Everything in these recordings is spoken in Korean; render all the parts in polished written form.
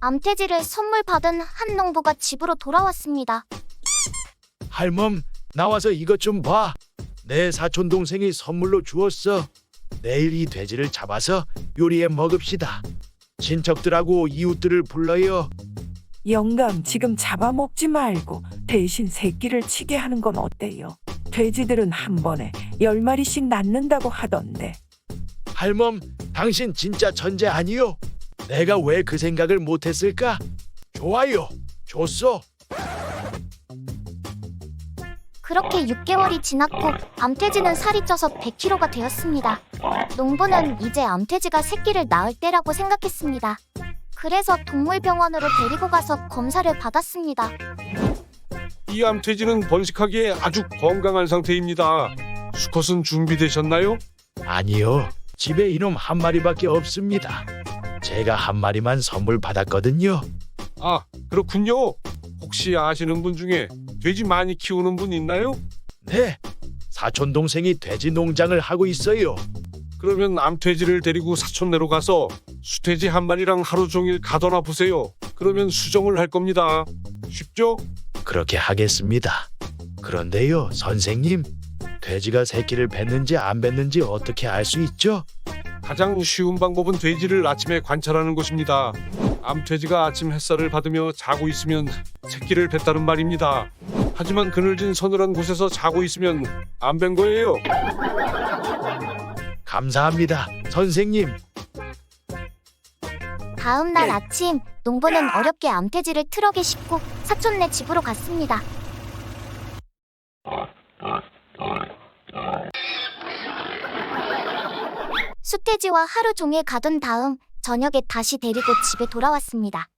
암돼지를 선물 받은 한 농부가 집으로 돌아왔습니다. 할멈, 나와서 이것 좀 봐. 내 사촌 동생이 선물로 주었어. 내일 이 돼지를 잡아서 요리해 먹읍시다. 친척들하고 이웃들을 불러요. 영감, 지금 잡아먹지 말고 대신 새끼를 치게 하는 건 어때요? 돼지들은 한 번에 10마리씩 낳는다고 하던데. 할멈, 당신 진짜 천재 아니요? 내가 왜 그 생각을 못했을까? 좋아요, 줬어. 그렇게 6개월이 지났고 암돼지는 살이 쪄서 100kg가 되었습니다. 농부는 이제 암돼지가 새끼를 낳을 때라고 생각했습니다. 그래서 동물병원으로 데리고 가서 검사를 받았습니다. 이 암돼지는 번식하기에 아주 건강한 상태입니다. 수컷은 준비되셨나요? 아니요, 집에 이놈 한 마리밖에 없습니다. 제가 한 마리만 선물 받았거든요. 아, 그렇군요. 혹시 아시는 분 중에 돼지 많이 키우는 분 있나요? 네, 사촌 동생이 돼지 농장을 하고 있어요. 그러면 암돼지를 데리고 사촌네로 가서 수돼지 한 마리랑 하루 종일 가둬놔 보세요. 그러면 수정을 할 겁니다. 쉽죠? 그렇게 하겠습니다. 그런데요, 선생님, 돼지가 새끼를 뱉는지 안 뱉는지 어떻게 알 수 있죠? 가장 쉬운 방법은 돼지를 아침에 관찰하는 것입니다. 암돼지가 아침 햇살을 받으며 자고 있으면 새끼를 뱉다는 말입니다. 하지만 그늘진 서늘한 곳에서 자고 있으면 안 뵌 거예요. 감사합니다, 선생님. 다음 날 아침, 농부는 어렵게 암돼지를 트럭에 싣고 사촌네 집으로 갔습니다. 숫돼지와 하루 종일 가둔 다음 저녁에 다시 데리고 집에 돌아왔습니다.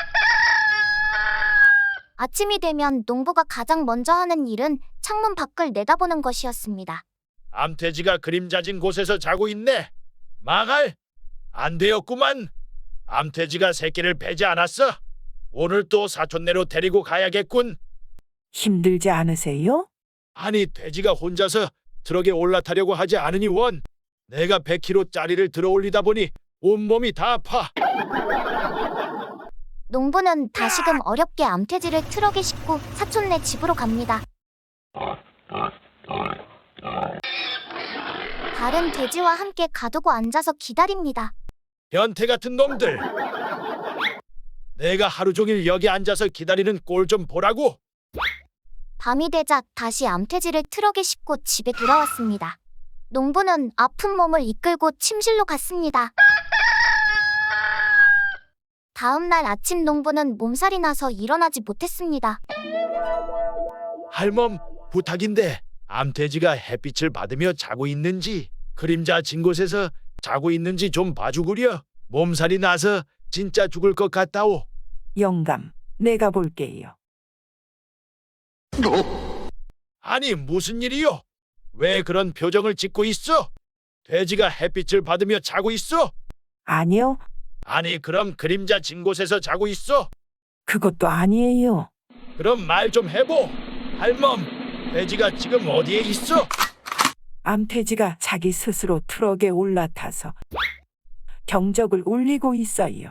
아침이 되면 농부가 가장 먼저 하는 일은 창문 밖을 내다보는 것이었습니다. 암돼지가 그림자진 곳에서 자고 있네. 망할! 안 되었구만. 암돼지가 새끼를 베지 않았어. 오늘 또 사촌네로 데리고 가야겠군. 힘들지 않으세요? 아니, 돼지가 혼자서 트럭에 올라타려고 하지 않으니 원. 내가 100kg짜리를 들어 올리다 보니 온몸이 다 아파. 농부는 다시금 어렵게 암돼지를 트럭에 싣고 사촌네 집으로 갑니다. 다른 돼지와 함께 가두고 앉아서 기다립니다. 변태 같은 놈들. 내가 하루 종일 여기 앉아서 기다리는 꼴 좀 보라고. 밤이 되자 다시 암돼지를 트럭에 싣고 집에 돌아왔습니다. 농부는 아픈 몸을 이끌고 침실로 갔습니다. 다음 날 아침 농부는 몸살이 나서 일어나지 못했습니다. 할멈, 부탁인데 암돼지가 햇빛을 받으며 자고 있는지, 그림자 진 곳에서 자고 있는지 좀 봐주구려. 몸살이 나서 진짜 죽을 것 같다오. 영감, 내가 볼게요. 아니, 무슨 일이요? 왜 그런 표정을 짓고 있어? 돼지가 햇빛을 받으며 자고 있어? 아니요, 아니, 그럼 그림자 진 곳에서 자고 있어? 그것도 아니에요. 그럼 말 좀 해보. 할멈, 돼지가 지금 어디에 있어? 암돼지가 자기 스스로 트럭에 올라타서 경적을 울리고 있어요.